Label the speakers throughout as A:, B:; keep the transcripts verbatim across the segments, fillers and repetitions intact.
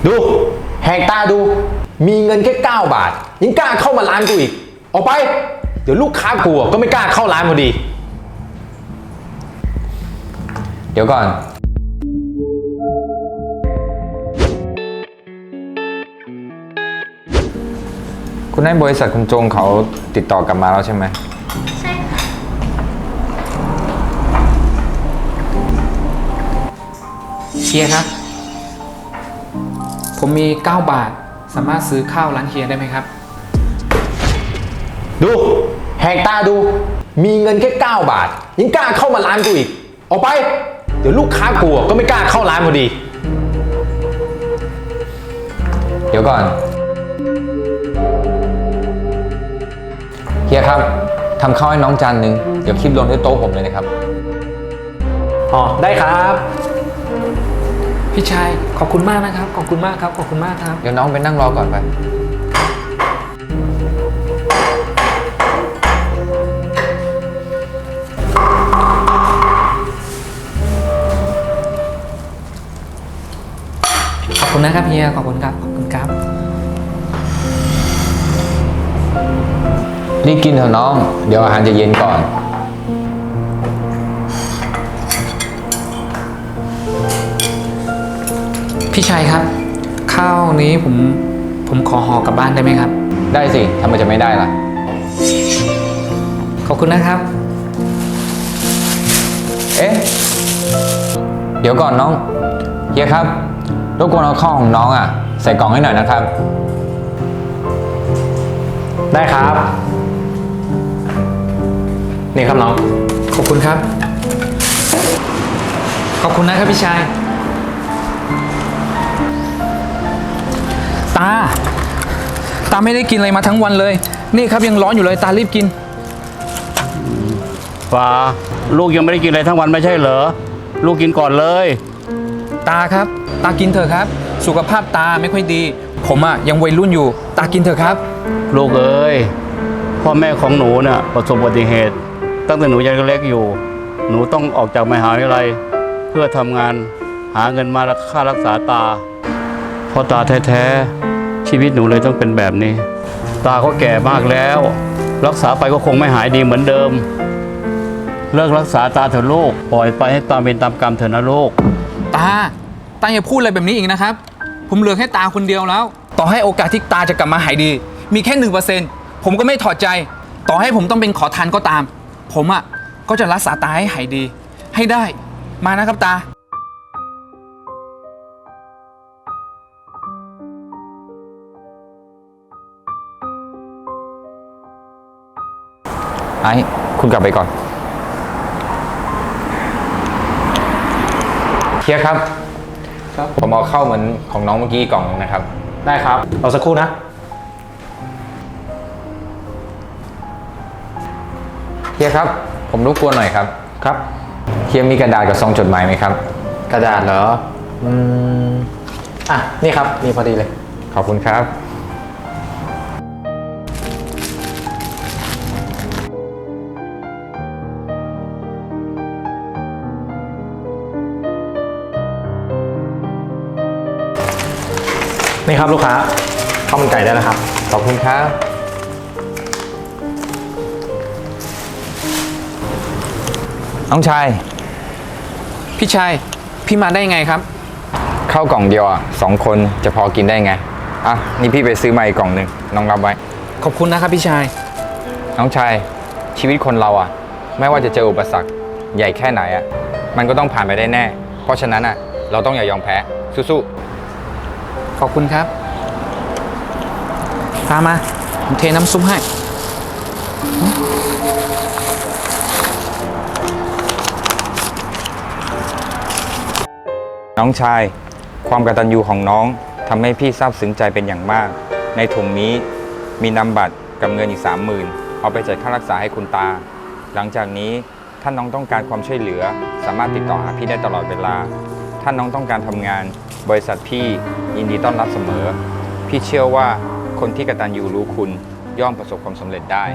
A: ดูแหกตาดูมีเงินแค่เก้าบาทยังกล้าเข้ามาร้านกูอีกออกไปเดี๋ยวลูกค้ากูก็ไม่กล้าเข้าร้านพอดีเดี๋ยวก่อนคุณให้บริษัทคุณจงเขาติดต่อกลับมาแล้วใช่ไหม
B: ใช่ค่ะ
C: เฮียครับผมมีเก้าบาทสามารถซื้อข้าวร้านเฮียได้ไหมครับ
A: ดูแหกตาดูมีเงินแค่เก้าบาทยังกล้าเข้ามาร้านกูอีกออกไปเดี๋ยวลูกค้ากูก็ไม่กล้าเข้าร้านพอดีเดี๋ยวก่อนเฮียครับทำข้าวให้น้องจานนึงเดี๋ยวคลิปลงที่โต๊ะผมเลยนะครับอ๋อได้ครับ
C: พี่ชายขอบคุณมากนะครับขอบคุณมากครับขอบคุณมากครับ
A: เดี๋ยวน้องไปนั่งรอก่อนไป
C: ขอบคุณนะครับเฮียขอบคุณครับขอบคุณครับ
A: รีบกินเถอะน้องเดี๋ยวอาหารจะเย็นก่อน
C: พี่ชายครับข้าวนี้ผมผมขอห่อกลับบ้านได้ไหมครับ
A: ได้สิทำไมจะไม่ได้ล่ะ
C: ขอบคุณนะครับ
A: เอ๊ะเดี๋ยวก่อนน้องเฮียครับรบกวนเอาข้าวของน้องอ่ะใส่กล่องให้หน่อยนะครับได้ครับนี่ครับน้อง
C: ขอบคุณครับขอบคุณนะครับพี่ชายตาตาไม่ได้กินอะไรมาทั้งวันเลยนี่ครับยังร้อนอยู่เลยตารีบกิน
D: ฟ้าลูกยังไม่ได้กินอะไรทั้งวันไม่ใช่เหรอลูกกินก่อนเลย
C: ตาครับตากินเถอะครับสุขภาพตาไม่ค่อยดีผมอ่ะยังวัยรุ่นอยู่ตากินเถอะครับ
D: ลูกเอ้ยพ่อแม่ของหนูน่ะประสบอุบัติเหตุตั้งแต่หนูยังเล็กอยู่หนูต้องออกจากมหาวิทยาลัยเพื่อทำงานหาเงินมาค่ารักษาตาเพราะตาแท้ๆชีวิตหนูเลยต้องเป็นแบบนี้ตาก็แก่มากแล้วรักษาไปก็คงไม่หายดีเหมือนเดิมเลิกรักษาตาเถอะลูกปล่อยไปให้ตามเป็นตามกรรมเถอะนะลูก
C: ตาตาอย่าพูดอะไรแบบนี้อีกนะครับผมเหลือแค่ตาคนเดียวแล้วต่อให้โอกาสที่ตาจะกลับมาหายดีมีแค่หนึ่งเปอร์เซ็นต์ผมก็ไม่ถอดใจต่อให้ผมต้องเป็นขอทานก็ตามผมอ่ะก็จะรักษาตาให้หายดีให้ได้มานะครับตา
A: ไอ้คุณกลับไปก่อนเฮียครับครับผมเอาเข้าเหมือนของน้องเมื่อกี้กล่องนะครับได้ครับรอสักครู่นะเฮียครับผมรบกวนหน่อยครับครับเฮียมีกระดาษกับซองจดหมายไหมครับกระดาษเหรออืมอ่ะนี่ครับมีพอดีเลยขอบคุณครับนี่ครับลูกค้าข้าวมันไก่ได้แล้วครับขอบคุณครับน้องชาย
C: พี่ชายพี่มาได้ไงครับ
A: ข้าวกล่องเดียวอ่ะสองคนจะพอกินได้ไงอ่ะนี่พี่ไปซื้อมาอีกกล่องหนึ่งน้องรับไว้
C: ขอบคุณนะครับพี่ชาย
A: น้องชายชีวิตคนเราอ่ะไม่ว่าจะเจออุปสรรคใหญ่แค่ไหนอ่ะมันก็ต้องผ่านไปได้แน่เพราะฉะนั้นอ่ะเราต้องอย่ายอมแพ้สู้ๆ
C: ขอบคุณครับตามมาผมเทน้ำซุปให้
A: น้องชายความกตัญญูของน้องทำให้พี่ซาบซึ้งใจเป็นอย่างมากในถุงนี้มีนามบัตรกับเงินอีกสามหมื่นเอาไปจ่ายค่ารักษาให้คุณตาหลังจากนี้ถ้าน้องต้องการความช่วยเหลือสามารถติดต่อหาพี่ได้ตลอดเวลาถ้าน้องต้องการทำงานบริษัทพี่ยินดีต้อนรับเสมอพี่เชื่อว่าคนที่กตัญญูรู้คุณย่อมประสบความสำเร็จได้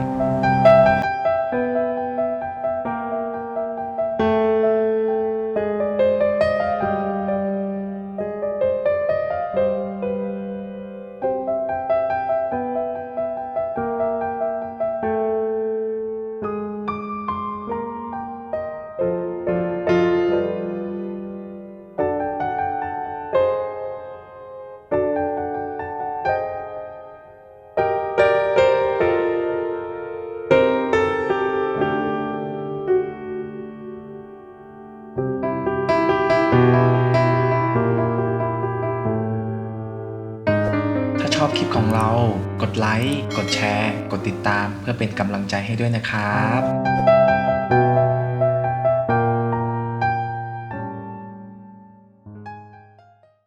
B: เรา กดไลค์ กดแชร์ กดติดตามเพื่อเป็นกำลังใจให้ด้วยนะครับ